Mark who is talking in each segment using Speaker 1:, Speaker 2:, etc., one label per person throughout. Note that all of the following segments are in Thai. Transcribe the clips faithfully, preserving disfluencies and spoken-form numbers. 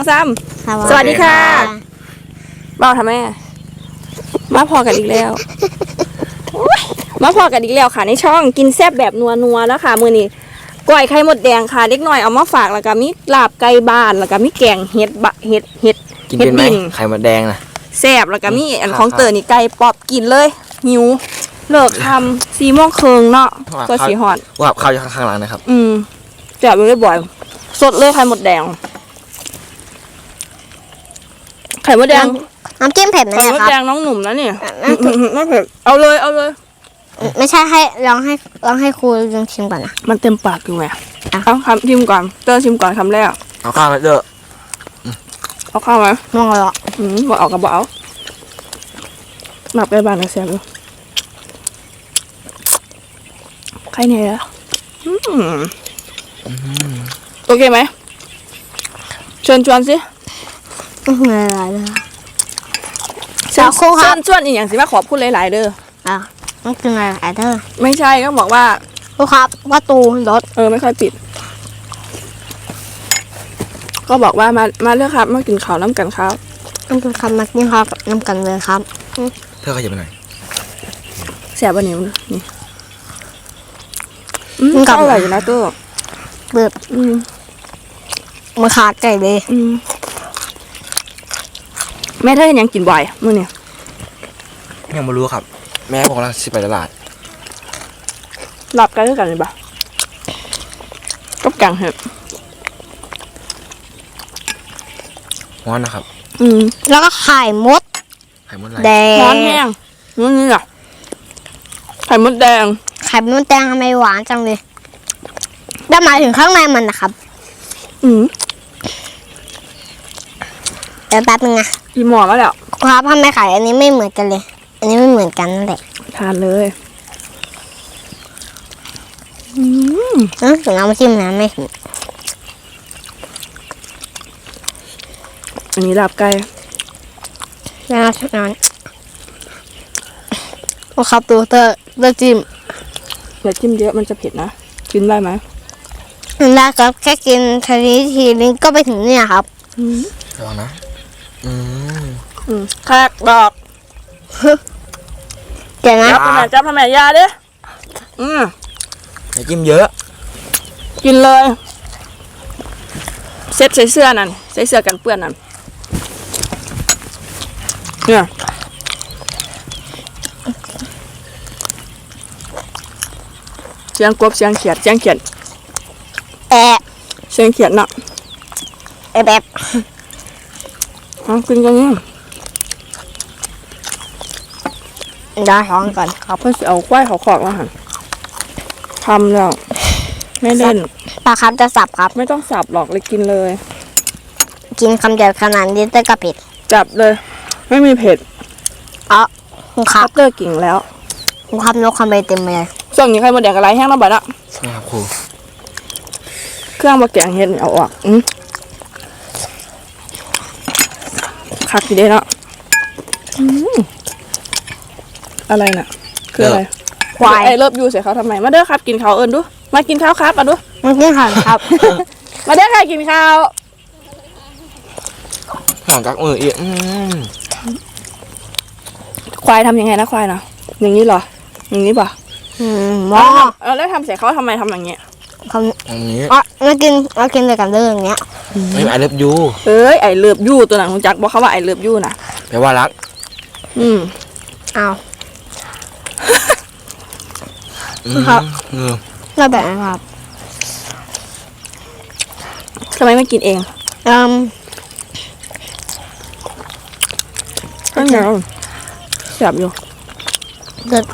Speaker 1: ซ้ำสวัสดีค่ะเบ้าทำไมมาพอกันอีกแล้วมาพอกันอีกแล้วค่ะในช่องกินแซ่บแบบนัวนัวแล้วค่ะมือนี้ก้อยไข่มดแดงค่ะเล็กน้อยเอามาฝากแล้วก็มีลาบไก่บ้านแล้วก็มีแกงเห็ดบะเห็ดเห็ด
Speaker 2: กินเป็นไหมไข่มดแดงนะ
Speaker 1: แซ่บแล้วก็มีอันของเตอร์นี่ไก่ปอบกินเลยหิวเลิกทำซีโมงเคิงเนาะก็สีหอด
Speaker 2: ว่าข้าวอยู่ข้างหลังนะครับ
Speaker 1: อืมแซ่บเลยบ่อยสดเลยไข่มดแดงไข่มดแดง
Speaker 3: น้ำจิ้มเผ็ดไหมครับไข่
Speaker 1: มดแดงน้องหนุ่มนะเนี่ยไม่เผ็ดเอาเลยเอาเลย
Speaker 3: ไม่ใช่ให้ลองให้ลองให้ครูลองชิมก่อนนะ
Speaker 1: มันเต็มปากอยู่ไงเอาคำชิมก่อนเตอร์ชิมก่อนคำแรก
Speaker 2: เอาข้าวไหมเตอร์
Speaker 1: เอาข้าวไหม
Speaker 3: มองเลยอ่ะ
Speaker 1: อืมบอกเอากระเป๋าหมักไปบ้านนะแซ่บเลยใครเนี่ยล่ะโอเคไหมเชิญชวนสิ
Speaker 3: ไม่เป็นไรเลย
Speaker 1: เชิญชวนชวนอีกอย่างสิมาขอบคุณหลายๆเด้อ
Speaker 3: อ่ะไม่เป็นไรไอ้เธอ
Speaker 1: ไม่ใช่ก็บอกว่า
Speaker 3: ครูครับประตูรถ
Speaker 1: เออไม่ค่อยปิดก็บอกว่ามามาเลือกครับมากินข้าวน้ำกันครับ
Speaker 3: น้ำกันครับมากินข้าวน้ำกันเลยครับ
Speaker 2: เธอขยับไปหน่อย
Speaker 1: แสบวันนี้นี่อืมก็อร่อยอยู่นะตัว
Speaker 3: เบิบ
Speaker 1: อืม
Speaker 3: มาขาดไก่เลย
Speaker 1: อืมแม่เธอยังกินบ่อยมื้อนี้
Speaker 2: ยังไม่รู้ครับแม่บอกว่าสิไปตลาด
Speaker 1: หลับกันด้วยกันเลยปะกับกังเห็ด
Speaker 2: ร้อนนะครับ
Speaker 3: อืมแล้วก็ไข่มด
Speaker 2: ไข่มดอะไร
Speaker 1: แดงร้อนแห้งนี่นี่อ่ะไข่มดแดง
Speaker 3: ไข่มดแดงทำไมหวานจังเลยได้หมายถึงข้างในมันนะครับ
Speaker 1: อืม
Speaker 3: เดี๋ยวแป๊บนึงนะ
Speaker 1: พี่หมอแล้วแล้ว
Speaker 3: ครับทำไมไข่อันนี้ไม่เหมือนกันเลยอันนี้ไม่เหมือนกันนั่นแหละ
Speaker 1: ทานเลย
Speaker 3: อืมเออถึงเอามาชิมนะไม่ถึง
Speaker 1: อันนี้ลาบไก่
Speaker 3: น่าทานโอ้ครับตัวเตอร์เตอร์จิ้ม
Speaker 1: อย่าจิ้มเยอะมันจะเผ็ดนะกินได้ไหม
Speaker 3: ได้ครับแค่กินทีนี้ทีนึงก็ไปถึงเนี่ยครับ
Speaker 2: ระวังนะอืม
Speaker 1: อืมแขกดอก
Speaker 3: เดี๋ยวนะ
Speaker 1: จับทำไมจับทำไมยาดิอืม
Speaker 2: อย่าจิ้มเยอะ
Speaker 1: กินเลยเซ็ตใส่เสื้อนั่นใส่เสื้อกันเปื้อนนั่นเนี่ยเสียงกบเสียงเขียดเสียงเขียด
Speaker 3: แอะ
Speaker 1: เสียงเขียดเนาะ
Speaker 3: แอบแบบ
Speaker 1: เอากินกันนี่
Speaker 3: ได้ท้องก่อน
Speaker 1: ครับเพื่อเอาควายเขาขอกแล้วหันทำแล้วไม่เล่น
Speaker 3: ปลาครับจะสับครับ
Speaker 1: ไม่ต้องสับหรอกเลยกินเลย
Speaker 3: กินคำเดียวขนาดนี้เตอร์ก็เผ็ด
Speaker 1: จับเลยไม่มีเผ็ด
Speaker 3: อ๋อคุณครับ
Speaker 1: เตอร์กิ่งแล้ว
Speaker 3: คุณครับนกคำใบเต็มเลย
Speaker 1: ส่วนนี้ใครมาแดกอะไรแห้งแล้วบ่อยละ
Speaker 2: ใช่ครับครู
Speaker 1: เครื่องมาแกงเห็ดเอาออกอืมคักทีเดียวเนาะอะไรน่ะคืออะไรควายไอเลิฟยูใส่เขาทำไมมาเด้อครับกินข้าวเอิญดูมากินข้าวครับมาดู
Speaker 3: มากินข้าวครับ
Speaker 1: มาเด้อค่ะกินข้าว
Speaker 2: หอมกักมืออีก
Speaker 1: ควายทำยังไงนะควายนะอย่างนี้เหรออย่างนี้ป่ะ
Speaker 3: อืมมอ
Speaker 1: แล้วทำใส่เขาทำไมทำอย่างเงี้ย
Speaker 3: ทำอย่างนี้อ๋อมากินมากินเลยกันเรื่องเนี้ย
Speaker 2: ไม่ไอเลิฟยู
Speaker 1: เอ้ยไอเลิฟยูตัวหนังของจักบอกเขาว่าไอเลิฟยูนะ
Speaker 2: แปลว่ารัก
Speaker 1: อืม
Speaker 3: เอา
Speaker 1: ครับ
Speaker 3: เราแบบนะครับ
Speaker 1: ทำไมไม่กินเอง
Speaker 3: อืม
Speaker 1: ก็เหนียวแซ่บอยู่
Speaker 3: เด็ด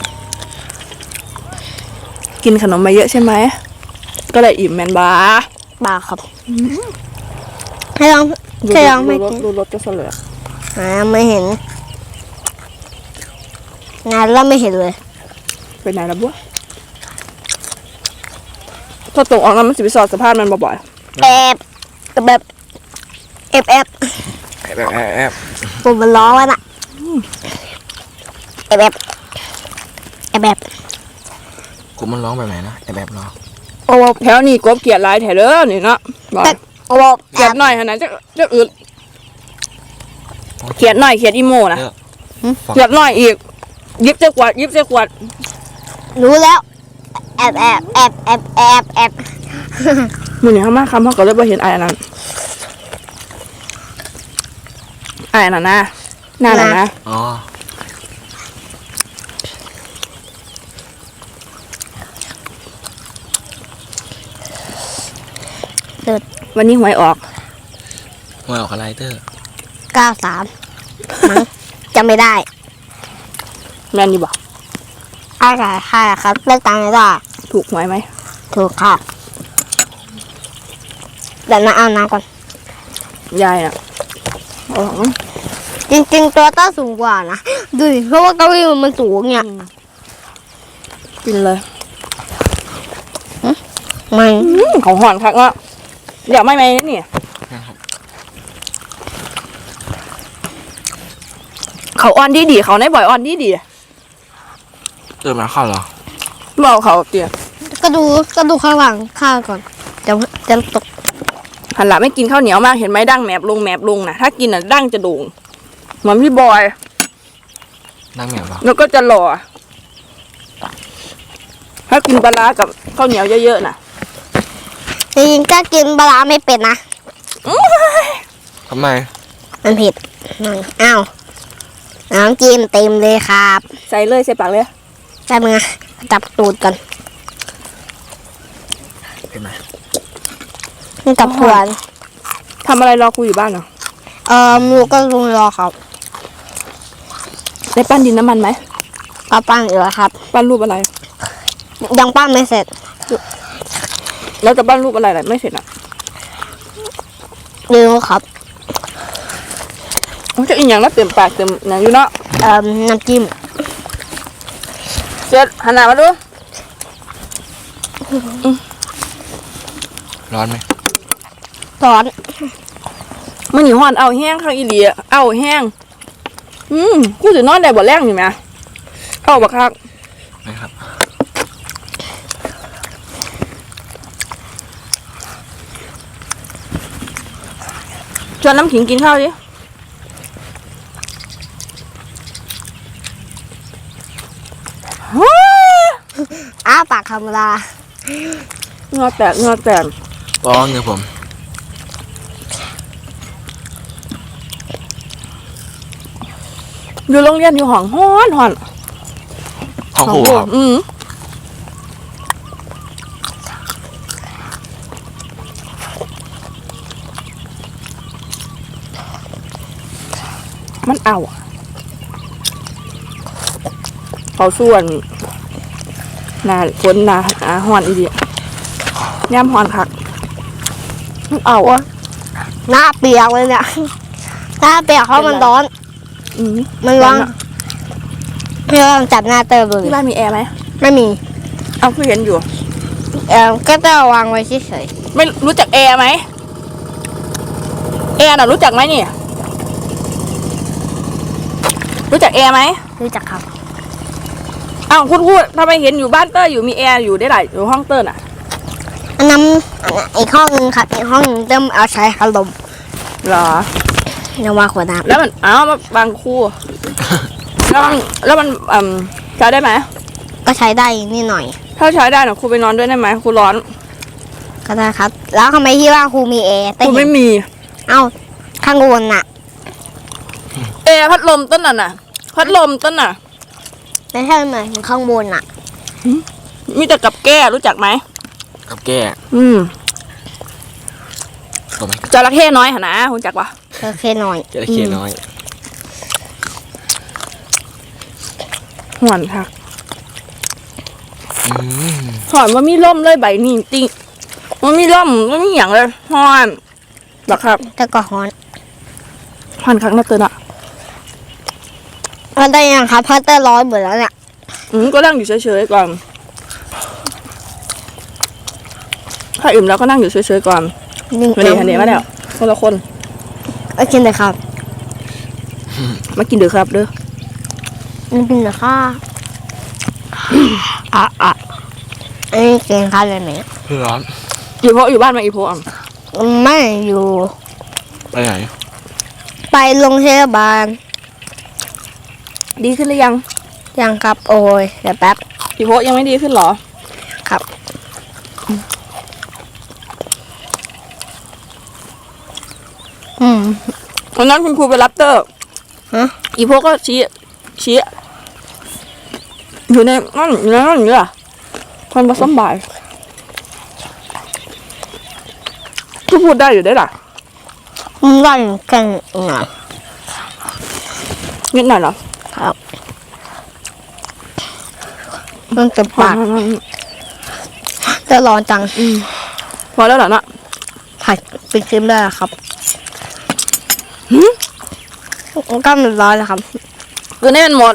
Speaker 1: กินขนมมาเยอะใช่ไหมก็เลยอิ่มแมนบา
Speaker 3: บาครับให้ลองให้ลองไม่กิน
Speaker 1: ดูรถจะเสลอ
Speaker 3: อ่าไม่เห็นงานเราไม่เห็นเลย
Speaker 1: ไปไหนละบัวถ้าตกออกน้ำมันสิบสอดสภาพมันบ่อย
Speaker 3: ๆแบบแบบแอบแอบ
Speaker 2: แอบแอบแอบ
Speaker 3: ผมมันร้องแล้วน่ะแอบแอบแอบแบบ
Speaker 2: กูมันร้องแบบไหนนะแอบแบบร้อง
Speaker 1: โอ้แถวนี้กบเกียดลายแถวเด้อนี่เนาะ
Speaker 3: แต่เอาบอก
Speaker 1: เขียดหน่อยขนาดจะจะอึดเขียดหน่อยเขียดอีโมนะ เขียดหน่อยอีกยิบเจ้ากวาดยิบเจ้ากวาด
Speaker 3: รู้แล้วแอบแอบแอบแอบแอบแอบ
Speaker 1: มือนี่เขามาคำเขาก็เลยบ่เห็นไอ้อันนั้นไอ้อันนั้นนะหน้านั้นนะ
Speaker 2: อ๋อ
Speaker 1: วันนี้หวยออก
Speaker 2: หวยออกอะไรเตอร์
Speaker 3: เก้าสามมั้งจำไม่ได้
Speaker 1: แม่นดีบอก
Speaker 3: อะไรค่ะครับเลือกตังค์ไม่ได้
Speaker 1: ถูกหวยไหม
Speaker 3: ถูกค่ะเดี๋ยวนะเอาน้ำก่อน
Speaker 1: ยายน่ะเอาหรอ
Speaker 3: จริงๆตัวต้าสูงกว่านะดูดิเพราะว่าเก้าอี้มันสูงเนี่ย
Speaker 1: กินเลย
Speaker 3: ไม่
Speaker 1: อืมของห่อนคักอ่ะเดี๋ยวไม่ไหมนี่เขาอ่อนดีดีเขาในบ่อยอ่อนดีดี
Speaker 2: เติมน้ำข้าวเหรอ
Speaker 1: บอกเขาเตี๋ย
Speaker 3: ก็ดูก็ดูข้างหลังข้างก่อนจะจะตก
Speaker 1: หันหลังไม่กินข้าวเหนียวมากเห็นไหมดั้งแมบลงแมบลงนะถ้ากินอ่ะดั้งจะโด่งเหมือนพี่บอย
Speaker 2: นั่งแหนวะ
Speaker 1: แล้วก็จะหล่อถ้ากินปลาร้ากับข้าวเหนียวเยอะๆน่ะ
Speaker 3: จริงๆก็กินปลาร้าไม่เป็ดนะ
Speaker 2: ทำไม
Speaker 3: มันเผ็ดอ้าวน้ำจิ้มเต็มเลยครับ
Speaker 1: ใส่เลยใส่ปากเลย
Speaker 3: ใช่ไหมงจับตูดก่อน
Speaker 2: เห็นไหม
Speaker 3: นี่กับเพื่อน
Speaker 1: ทำอะไรรอคุยอยู่บ้านเหรอ
Speaker 3: เออลูกก็ลุงรอครับ
Speaker 1: ได้ปั้นดินน้ำมันไหม
Speaker 3: ก็ปั้นอยู่แล้วครับ
Speaker 1: ปั้นรูปอะไร
Speaker 3: ยังปั้นไม่เสร็จ
Speaker 1: แล้วจะปั้นรูปอะไรล่ะไม่เสร็จอ่ะ
Speaker 3: ลืมครับ
Speaker 1: มันจะอีกอย่างแล้วเต็มปากเต็มอย่างอยู่เนาะ
Speaker 3: เอ่อน้ำจิ้ม
Speaker 1: เจ็ดหันหน้ามาดู
Speaker 2: ร้อนไหม
Speaker 3: ร้อน
Speaker 1: มันหนีหอนเอาแห้งข้างอีหลีอะเอาแห้งอืมกูจะนอนได้บ่แรงอยู่ไหมเอาบักคัก
Speaker 2: นะครับ
Speaker 1: ชวนน้ำขิงกินข้าวดิ
Speaker 3: อ้าปากธรรมดา
Speaker 1: เงาแตกเงาแตก
Speaker 2: ร้อนเนี่ยผม
Speaker 1: อยู่โรงเรียนอยู่ห้องฮ้อนฮ้อน
Speaker 2: ของครูครับ
Speaker 1: อืมมันเอาอะเขาส่วนหนาฝนหนาหนาฮ้อนอีเดียย่ำฮ้อนคักมันเอาอะ
Speaker 3: หน้าเปียกเลยเนี่ยหน้าเปียกเพราะมันร้อน
Speaker 1: อืม
Speaker 3: มันร้อนเพื่อนจับหน้าเติมดูดิ
Speaker 1: ที่บ้านมีแอร์ไหม
Speaker 3: ไม่มี
Speaker 1: เอาคือเห็นอยู่
Speaker 3: เออก็จะวางไว้เฉย
Speaker 1: ไม่รู้จักแอร์ไหมแอร์น่ะรู้จักไหมนี่ รู้จักแอร์ไหม
Speaker 3: ๆรู้จักครับ
Speaker 1: อ้าวคุณพูดทำไมเห็นอยู่บ้านเตอร์อยู่มีแอร์อยู่ได้หลายอยู่ห้องเตอร์น่ะ
Speaker 3: อันนั้นอันนั้นอีกห้องนึงครับอีกห้องนึงเติมเอาใช้พัดลม
Speaker 1: เหรอ
Speaker 3: ยังวางขวดน้
Speaker 1: แล้วมันอ้าวมาบางคู่ แล้วมันแล้วมันอืมใช้ได้ไหม
Speaker 3: ำก็ใช้ได้นิดหน่อย
Speaker 1: ถ้าใช้ได้น่ะครูไปนอนด้วยได้ไหมครูร้อน
Speaker 3: ก็ได้ครับ แล้วทำไมที่ว่าครูมีแอร์
Speaker 1: ค
Speaker 3: แต่
Speaker 1: รู
Speaker 3: เห็
Speaker 1: ไม่
Speaker 3: น
Speaker 1: มี
Speaker 3: เอ้าข้างบนน่ะ
Speaker 1: แอร์พัดลมต้นน่ะน่ะ พัดลมต้นน่ะ
Speaker 3: ไม่ใช่เหมือนถึงข้างบนน่ะ
Speaker 1: มีแต่กับแก้รู้จักไหม
Speaker 2: กับแก้
Speaker 1: อืม
Speaker 2: ตัวไหม
Speaker 1: จระเข้น้อยหนนะคุณจักปะ
Speaker 3: โอเคหน่อย
Speaker 2: จะได้เขียนน้อย
Speaker 1: ห่อนค่ะ
Speaker 2: อืม
Speaker 1: หอนว่ามีร่มเลยใบนี่จริงมันมีร่มมันมีอย่างเลยหอนหรอครับ
Speaker 3: แต่ก็ฮ้อน
Speaker 1: หอนครั้งน่าเตือนอ่ะ
Speaker 3: มันได้ยังครับเพราะเตอร์ร้อนหมดแล้วเนี่ย
Speaker 1: อืมก็นั่งอยู่เฉยๆก่อนถ้าอิ่มแล้วก็นั่งอยู่เฉยๆก่อน
Speaker 3: นึ่ง
Speaker 1: มาเดี๋ยวมาเดี๋ยวมาเดี๋ยวคนละคน
Speaker 3: โอเคเลยครับ
Speaker 1: มากินเดือครับเด้อ
Speaker 3: นี่เป็นเหรอค่ะ
Speaker 1: อ่ะอ่ะ
Speaker 3: อันนี้กินข้าวเลยไหม
Speaker 2: ร้อน
Speaker 1: อยู่เพราะอยู่บ้านมาอีโพอ่ะ
Speaker 3: อไม่อยู่
Speaker 2: ไปไหน
Speaker 3: ไปโรงพยาบาล
Speaker 1: ดีขึ้นหรือยัง
Speaker 3: ยังครับโอ้ยเดี๋ยวแป๊บ
Speaker 1: พี่โพยังไม่ดีขึ้นเหรอ
Speaker 3: ครับอืม
Speaker 1: วันนั้นคุณครูไปรับเตอร์
Speaker 3: ฮะ
Speaker 1: อีโพก็ชี้ชี้อยู่ในนั่นอยู่ในนั่นอยู่อะคนผสมบายก็พูดได้อยู่ได้หรอ
Speaker 3: มึงได้แค่ไหน
Speaker 1: นิดหน่อยเหรอ
Speaker 3: ครับมันจะปากจะร้อนจัง
Speaker 1: พอแล้วเหรอเนาะ
Speaker 3: ผัดเป็นครีมได้แล้วครับก็มันร้อนแล้วครับ
Speaker 1: คือนี่มันหมด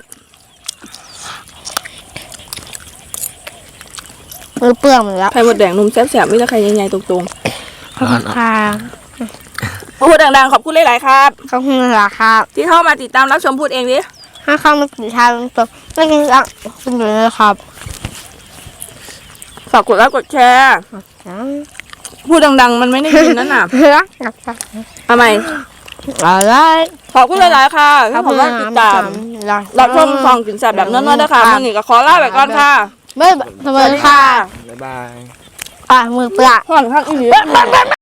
Speaker 3: มือเปื้อนหมดแล้ว
Speaker 1: ไข่หมดแดงนุ่มแซ่บๆไม่ใช่ไข่ใหญ่ๆตรง
Speaker 3: ขอบคุณค่ะ
Speaker 1: ๆพูดดังๆขอบคุณหลายๆครับ
Speaker 3: ขอบคุณค่ะครับ
Speaker 1: ที่เข้ามาติดตามรับชมพูดเองดิ
Speaker 3: ถ้าเข้ามาติดตามตัวไม่กินอ่ะคุณอยู่เลยครับ
Speaker 1: ฝากกดไลค์กดแชร์พูดดังๆ มันไม่ได้ยินนั่นน่ะ
Speaker 3: เพื่อ
Speaker 1: ทำไม
Speaker 3: อะไร
Speaker 1: ขอบคุณหลายๆค่ะที่ผมว่าติดตามรับชมฟองกินแซ่บแบบนั้นๆด้วยค่ะมื่อนี้ก็ขอลาไปก่อนค่ะ
Speaker 3: ไม่สวัสดีค่ะ
Speaker 2: บ๊ายบาย
Speaker 3: อ่ะมือเปื้อน
Speaker 1: ห่อนข้างอีก